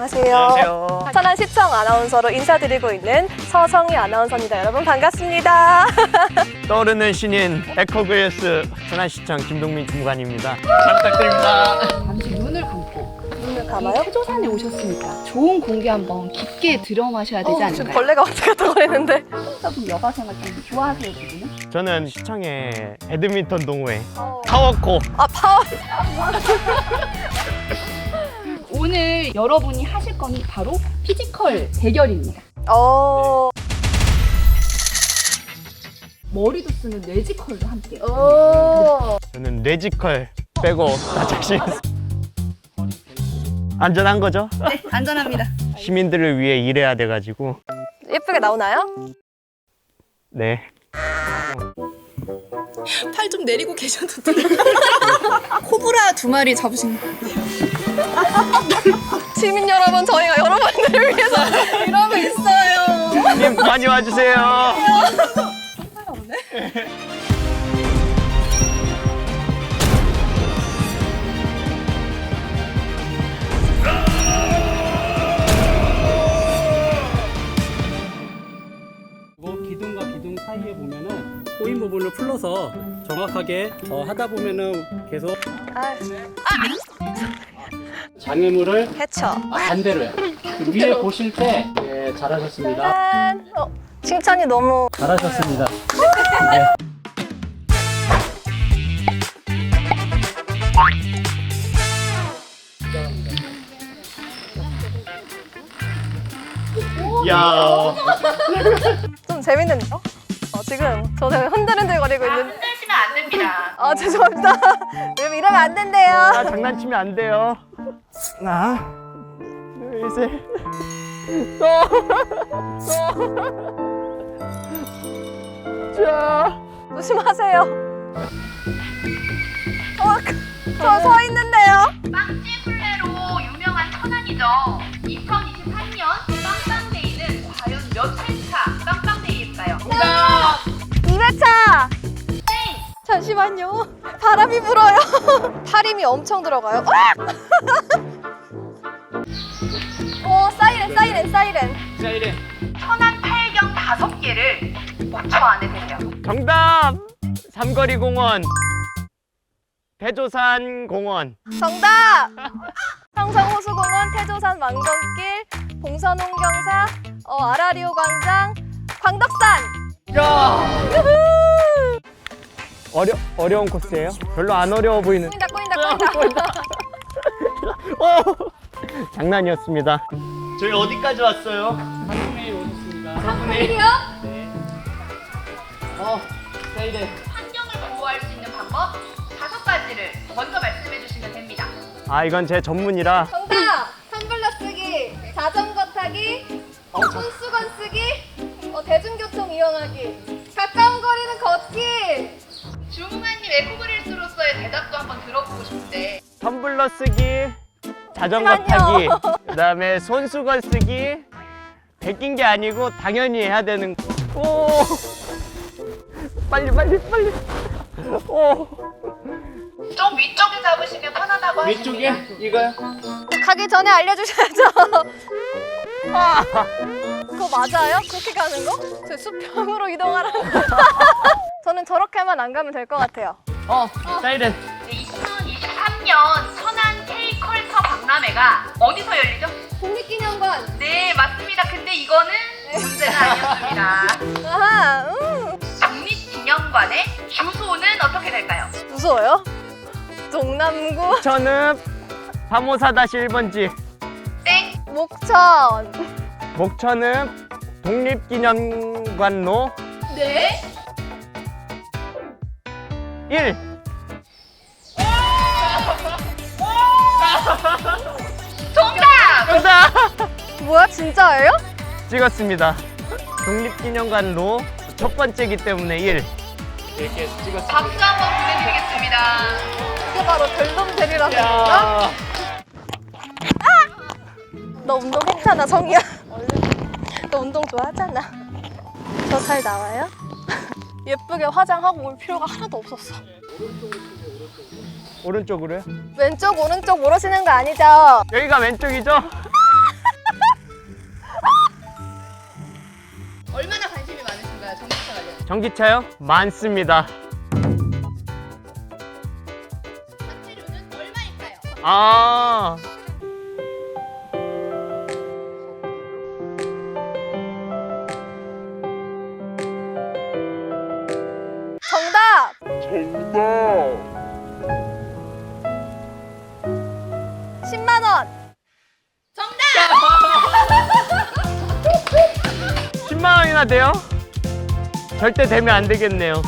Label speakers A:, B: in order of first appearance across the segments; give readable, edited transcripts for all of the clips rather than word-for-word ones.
A: 안녕하세요.
B: 안녕하세요.
A: 천안시청 아나운서로 인사드리고 있는 서성희 아나운서입니다. 여러분 반갑습니다.
B: 떠오르는 신인 에코그레스 천안시청 김동민 주무관입니다. 잘 부탁드립니다.
C: 잠시 눈을 감고
A: 눈을 감아요?
C: 태조산에 오셨으니까 좋은 공기 한번 깊게 들어마셔야 되지
A: 지금
C: 않을까요?
A: 벌레가 왔다 갔다 거리는데.
C: 여러분 여가 생활 좀 좋아하세요 지금은?
B: 저는 시청의 배드민턴 동호회
A: 어.
B: 파워코.
A: 아 파워.
C: 오늘 여러분이 하실 건 바로 피지컬 대결입니다. 머리도 쓰는 뇌지컬도 함께.
A: 오.
B: 저는 뇌지컬 빼고 다 자신 있어. 안전한 거죠?
C: 네, 안전합니다.
B: 시민들을 위해 일해야 돼가지고.
A: 예쁘게 나오나요?
B: 네.
C: 팔 좀 내리고 계셔도 돼요. 코브라 2마리 잡으신 거.
A: 시민 여러분, 저희가 여러분들을 위해서 이러고 있어요.
B: 형님 많이 와주세요.
D: 그리고 기둥과 기둥 사이에 보면은 꼬인 부분을 풀러서 정확하게 하다 보면은 계속 장애물을
A: 해쳐.
D: 반대로요. 그 위에 보실 때 예, 잘하셨습니다.
A: 짠. 칭찬이 너무.
D: 잘하셨습니다.
B: 야.
A: 좀 재밌는데요? 지금 저 되게 흔들흔들거리고 있는.
E: 흔들시면 안 됩니다.
A: 죄송합니다. 여러분 이러면 안 된대요.
B: 아, 장난치면 안 돼요. 하나, 둘, 셋. 자.
A: 조심하세요. 저 서 있는데요.
E: 빵집 술래로 유명한 천안이죠. 2023년 빵빵데이는 과연 몇 회차 빵빵데이일까요?
A: 2회차. 잠시만요. 바람이 불어요. 팔힘이 엄청 들어가요. 오, 사이렌.
D: 사이렌.
E: 천안 팔경 5개를 5초 안에 되세요.
B: 정답! 삼거리 공원. 대조산 공원.
A: 정답. 평성호수공원, 태조산 망경길, 봉선홍경사, 아라리오 광장, 광덕산.
B: 야!
A: 유후.
B: 어려운 코스예요? 별로 안 어려워 보이는.
A: 꼬인다.
B: 장난이었습니다. 저희 어디까지 왔어요?
D: 상품에 오셨습니다.
A: 사분이요?
D: 사이렌.
E: 환경을 보호할 수 있는 방법 5가지를 먼저 말씀해 주시면 됩니다.
B: 아, 이건 제 전문이라.
A: 정답. 텀블러 쓰기, 자전거 타기, 손수건 쓰기, 대중교통 이용하기, 가까운 거리는 걷기.
E: 주무관님 에코그릴스로서의 대답도 한번 들어보고 싶은데
B: 텀블러 쓰기, 자전거
A: 잠시만요.
B: 타기, 그다음에 손수건 쓰기. 베낀 게 아니고 당연히 해야 되는. 오! 빨리. 오!
E: 좀 위쪽에 잡으시면 편하다고
D: 위쪽에
E: 하십니다.
D: 이거요?
A: 가기 전에 알려주셔야죠. 그거 맞아요? 그렇게 가는 거? 저 수평으로 이동하라는 거. 저는 저렇게만 안 가면 될 것 같아요.
B: 사이렌.
E: 2023년 천안 K컬처 박람회가 어디서 열리죠?
A: 국립기념관.
E: 네, 맞습니다. 근데 이거는 문제는 아니었습니다.
A: 아하,
E: 국립기념관의 주소는 어떻게 될까요?
A: 무서워요? 동남구,
B: 저는 354-1번지.
E: 땡!
A: 목천.
B: 목천은 독립기념관로
E: 네?
B: 1.
E: 정답!
B: 정답!
A: 뭐야, 진짜예요?
B: 찍었습니다. 독립기념관로 첫 번째이기 때문에 1. 이렇게 찍었습니다.
E: 박수 한번 보내드리겠습니다.
A: 이게 바로 별놈들이라는 건가? 너 운동했잖아, 성희야. 너 운동 좋아하잖아. 저 잘 나와요? 예쁘게 화장하고 올 필요가 하나도 없었어.
B: 오른쪽으로요?
A: 왼쪽, 오른쪽 모르시는 거 아니죠?
B: 여기가 왼쪽이죠? 전기차요? 많습니다.
E: 설치료는 얼마일까요?
B: 아.
A: 정답! 10만 원!
E: 정답!
B: 10만 원이나 돼요? 절대 되면 안 되겠네요.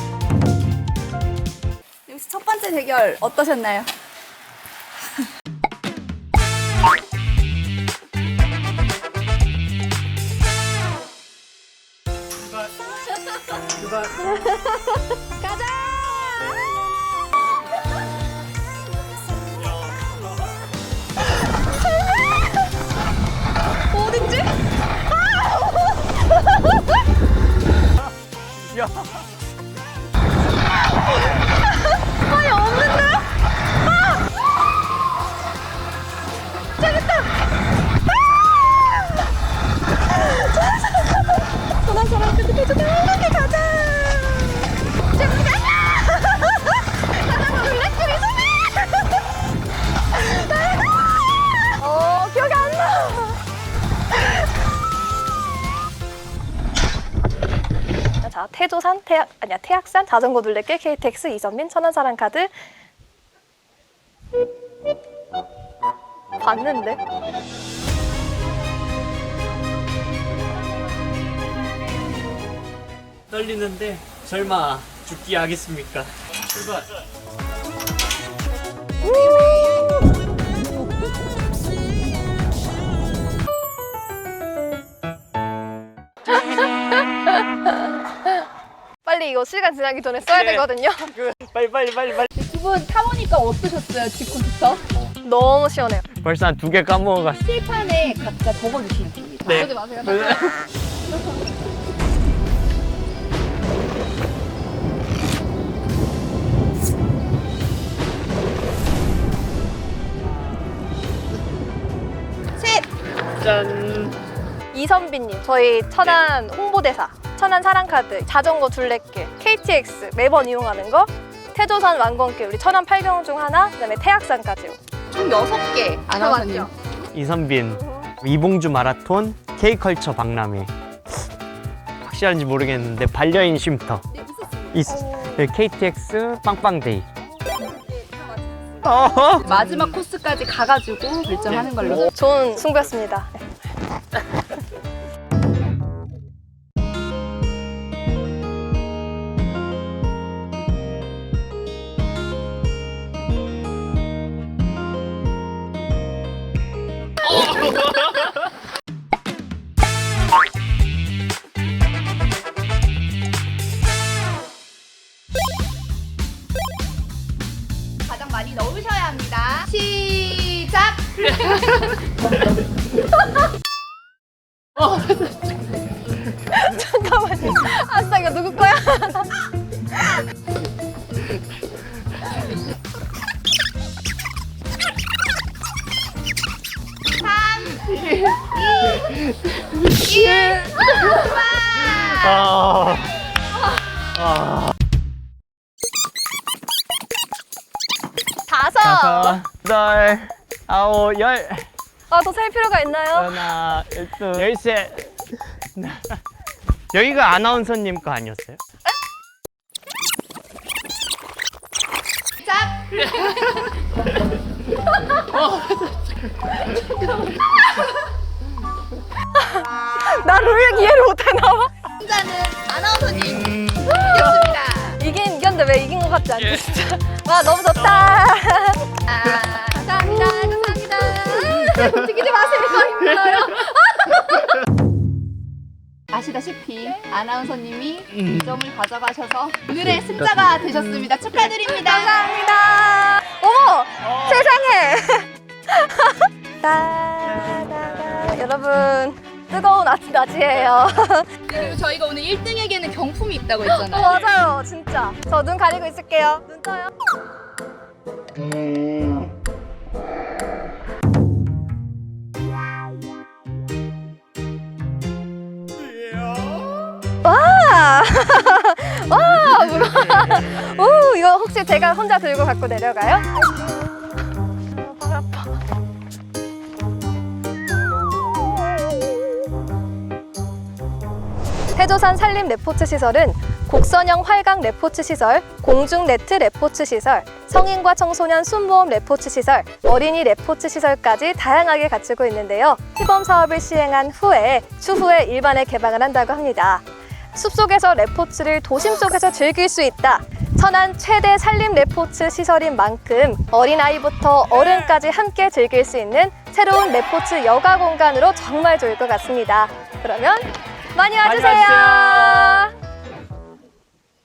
C: 역시 첫 번째 대결 어떠셨나요?
A: 가자! 어딨지?
B: 야.
A: 아니 없는데? 아! 저기 있다! 전화 사람 끝에 이렇게 가자! 지금 가자! 가자 블랙들이 기억이 안 나! 자, 태조산, 태악산, 자전거 둘레길, KTX, 이선민, 천안사랑 카드. 봤는데?
B: 떨리는데 설마 죽기 하겠습니까? 출발.
A: 빨리 이거 시간 지나기 전에 써야 되거든요.
B: 빨리.
C: 두 분 타보니까 어떠셨어요? 직콘부터?
A: 너무 시원해요.
B: 벌써 한 2개 까먹어갔어.
C: 칠판에 각자 적어주시면 됩니다.
B: 네.
C: 그러지 마세요.
B: 짠.
A: 이선빈님, 저희 천안 홍보대사, 천안 사랑카드, 자전거 둘레길, KTX 매번 이용하는 거, 태조산 완건길, 우리 천안 8경원 중 하나, 그다음에 태악산까지요.
C: 총 6개 아나운서님.
B: 이선빈, 이봉주 마라톤, K컬처 박람회. 확실한지 모르겠는데 반려인 쉼터. 네, KTX 빵빵데이.
C: 마지막 코스까지 가가지고 결정하는 걸로.
A: 좋은 승부였습니다.
E: 가장 많이 넣으셔야 합니다. 시작!
A: 잠깐만요. 아싸, 이거 누구 거야?
B: 아.
A: 다섯.
B: 여덟, 아홉, 열.
A: 아, 더 셀 필요가 있나요?
B: 하나, 둘, 열셋. 여기가 아나운서님 거 아니었어요?
E: 시작!
A: 나 룰 이해를 못해 나와.
E: 승자는 아나운서님 이겼습니다.
A: 이긴 이겼는데 왜 이긴 것 같지 않지 진짜. 와 너무 좋다.
E: 감사합니다. 감사합니다. 움직이지 마세요. 힘들어요.
C: 아시다시피 아나운서님이 2점을 가져가셔서 오늘의 승자가 되셨습니다. 축하드립니다.
A: 감사합니다. 어머 세상에. 따다다. 여러분 뜨거운 낮이에요.
C: 그리고 저희가 오늘 1등에게는 경품이 있다고
A: 어,
C: 했잖아요.
A: 맞아요 진짜. 저 눈 가리고 있을게요. 눈 떠요. 와 이렇게 제가 혼자 들고 갖고 내려가요? 발 아파. 태조산 산림 레포츠 시설은 곡선형 활강 레포츠 시설, 공중 네트 레포츠 시설, 성인과 청소년 순모음 레포츠 시설, 어린이 레포츠 시설까지 다양하게 갖추고 있는데요. 시범 사업을 시행한 후에 추후에 일반에 개방을 한다고 합니다. 숲속에서 레포츠를 도심 속에서 즐길 수 있다. 천안 최대 산림 레포츠 시설인 만큼 어린아이부터 어른까지 함께 즐길 수 있는 새로운 레포츠 여가 공간으로 정말 좋을 것 같습니다. 그러면 많이 와주세요.